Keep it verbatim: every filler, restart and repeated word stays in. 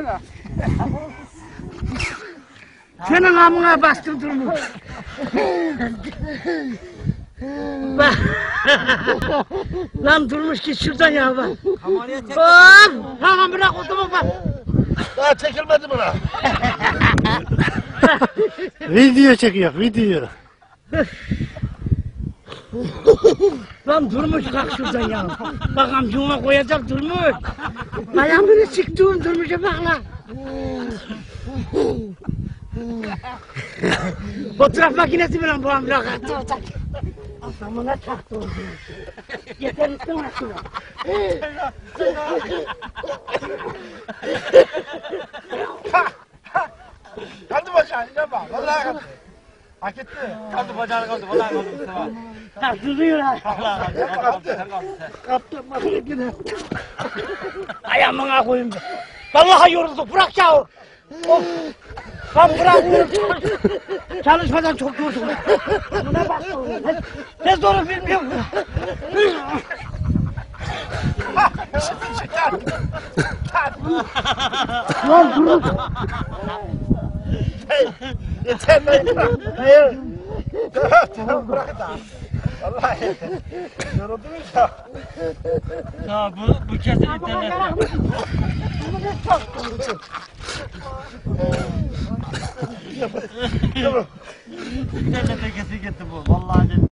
Baksana. Senin amına bastım durmuş. Bak. Lan durmuş git şuradan ya bak. Bak. Tamam bırak otomu bak. Daha çekilmedi buna. Video çekiyor, video. Lan durmuş kalk şuradan ya. Bak amcuma koyacak durmuş. Ayağımını sıktığın durmuşa bak lan. Fotoğraf makinesi mi lan bu amca? Adamına çaktı oldu. Yeter üstüne şuna. Kaldı bacağını yapma. Vallahi kaldı. Hak etti. Kaldı bacağını kaldı. Vallahi kaldı Mustafa. Taktırıyor ha. Vallahi kaldı. Kaldı. Kaptım makinesine. Ayağımına koyayım. Vallahi yorulduk bırak ya. Of. Lan bırak. Çalışmadan çok yoruldum. Buna bak. Ne zoru bilmiyorum. Lan durun. Yeter lan. Hayır. Tamam tamam bırak da. Vallahi. Yoruldunuz ya. Ya bu, bu kesin internette. İnternette kesin gitti bu. Vallahi.